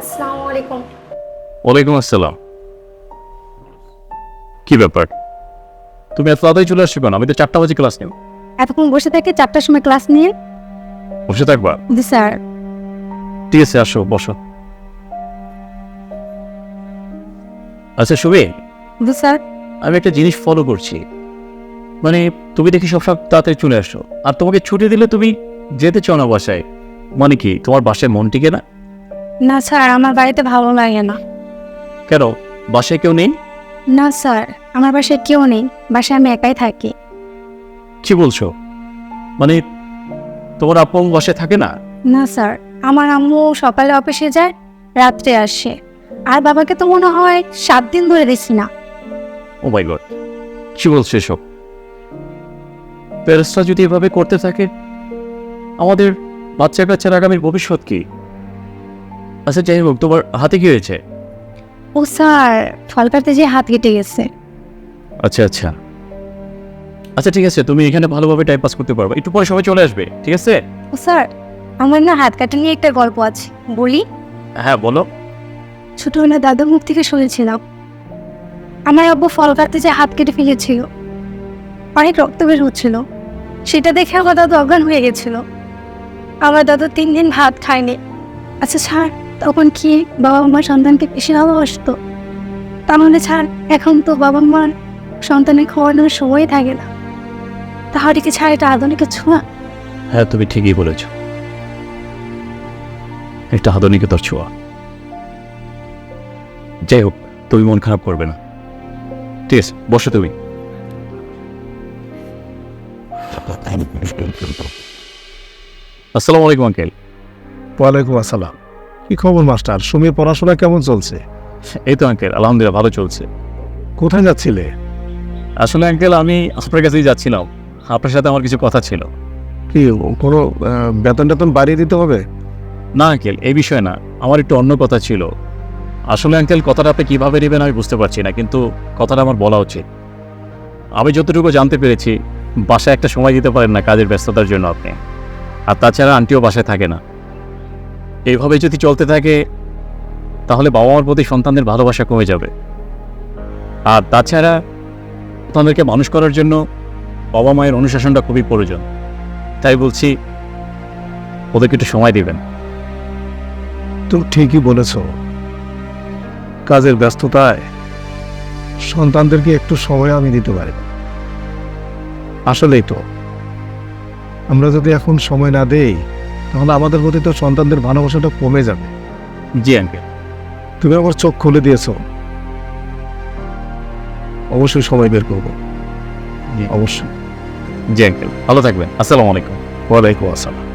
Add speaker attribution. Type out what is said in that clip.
Speaker 1: আসসালামু আলাইকুম।
Speaker 2: ওয়ালাইকুম আসসালাম। কি ব্যাপার, তুমি এত তাড়াতাড়ি চলে আসছো কেন? আমি তো 4টা বাজে ক্লাস নেব।
Speaker 1: এতক্ষণ বসে থেকে 4টার সময় ক্লাস নিয়ে।
Speaker 2: বসে থাকবা?
Speaker 1: জি স্যার।
Speaker 2: ঠিক আছে, আসো বসো। আচ্ছা সুবি,
Speaker 1: জি স্যার।
Speaker 2: আমি একটা জিনিস ফলো করছি, মানে তুমি দেখি সব তাড়াতাড়ি চলে আসো, আর তোমাকে ছুটি দিলে তুমি যেতে চাও না বাসায়। মানে কি তোমার বাসায় মন টিকে না?
Speaker 1: না স্যার, আমার বাড়িতে ভালো লাগে না।
Speaker 2: কেন, বাসায় কেউ নেই?
Speaker 1: না স্যার, আমার বাসায় কেউ নেই, বাসায় আমি একাই থাকি।
Speaker 2: কি বলছো? মানে তোমার আপু বাসায় থাকে না?
Speaker 1: না স্যার, আমার আম্মু সকালে অফিসে যায়, রাত্রে আসে। আর বাবাকে তো মনে হয় 7 দিন ধরে দেখি না।
Speaker 2: ও মাই গড, কি বলছো এসব? প্যারেন্টসরা যদি এভাবে করতে থাকে, আমাদের বাচ্চা কাচ্চার আগামীর ভবিষ্যৎ কি? আচ্ছা যাই হোক, তোমার হাতে কি হয়েছে?
Speaker 1: ও স্যার, ফল কাটতে যেয়ে হাত কেটে গেছে।
Speaker 2: আচ্ছা আচ্ছা আচ্ছা, ঠিক আছে, তুমি এখানে ভালোভাবে টাইম পাস করতে পারবে, একটু পরে সবাই চলে আসবে, ঠিক আছে?
Speaker 1: ও স্যার, আমার না হাত কাটা নিয়ে একটা গল্প আছে, বলি?
Speaker 2: হ্যাঁ বলো।
Speaker 1: ছোটবেলা দাদার মুখ থেকে শুনেছিলাম আমার আব্বু ফল কাটতে যেয়ে হাত কেটে ফেলেছিল, অনেক রক্ত বের হচ্ছিল। সেটা দেখে আমার দাদু অজ্ঞান হয়ে গেছিল। আমার দাদু 3 দিন ভাত খায়নি। আচ্ছা স্যার, তখন কি বাবা মা সন্তানকে বেশি ভালোবাসতো? তাহলে স্যার, এখন তো বাবা মার সন্তানের খাওয়ানোর সময় থাকে না, তাহলে কি স্যার এটা আধুনিকের ছোঁয়া?
Speaker 2: হ্যাঁ তুমি ঠিকই বলেছ, একটা আধুনিকতার ছোঁয়া। যাই হোক, তুমি মন খারাপ করবে না, ঠিক আছে? বসো তুমি। আসসালামু আলাইকুম আঙ্কেল।
Speaker 3: ওয়ালাইকুম আসসালাম। কি খবর মাস্টার? সুমির পড়াশোনা কেমন চলছে?
Speaker 2: এই তো আঙ্কেল, আলহামদুলিল্লাহ ভালো চলছে।
Speaker 3: কোথায় যাচ্ছিলে?
Speaker 2: আসলে আঙ্কেল আমি আপনার কাছেই যাচ্ছিলাম, আপনার সাথে আমার কিছু কথা ছিল।
Speaker 3: কি কোনো বেতন টেতন বাড়িয়ে দিতে হবে?
Speaker 2: না আঙ্কেল, এই বিষয়ে না, আমার একটু অন্য কথা ছিল। আসলে আঙ্কেল, কথাটা আপনি কীভাবে নেবেন আমি বুঝতে পারছি না, কিন্তু কথাটা আমার বলা উচিত। আমি যতটুকু জানতে পেরেছি, বাসায় একটা সময় দিতে পারেন না কাজের ব্যস্ততার জন্য আপনি, আর তাছাড়া আন্টিও বাসায় থাকে না। এইভাবে যদি চলতে থাকে তাহলে বাবা মার প্রতি সন্তানদের ভালোবাসা কমে যাবে। আর তাছাড়া সন্তানদেরকে মানুষ করার জন্য বাবা মায়ের অনুশাসনটা খুবই প্রয়োজন। তাই বলছি, ওদেরকে একটু সময় দিবেন।
Speaker 3: তুমি ঠিকই বলেছ, কাজের ব্যস্ততায় সন্তানদেরকে একটু সময় আমি দিতে পারি না। আসলেই তো, আমরা যদি এখন সময় না দেই তাহলে আমাদের প্রতি তো সন্তানদের ভালোবাসাটা কমে যাবে।
Speaker 2: জি আঙ্কেল।
Speaker 3: তুমি আমার চোখ খুলে দিয়েছো, অবশ্যই সময় বের করবো, অবশ্যই।
Speaker 2: জি আঙ্কেল, ভালো থাকবেন। আসসালামু আলাইকুম।
Speaker 3: ওয়ালাইকুম আসসালাম।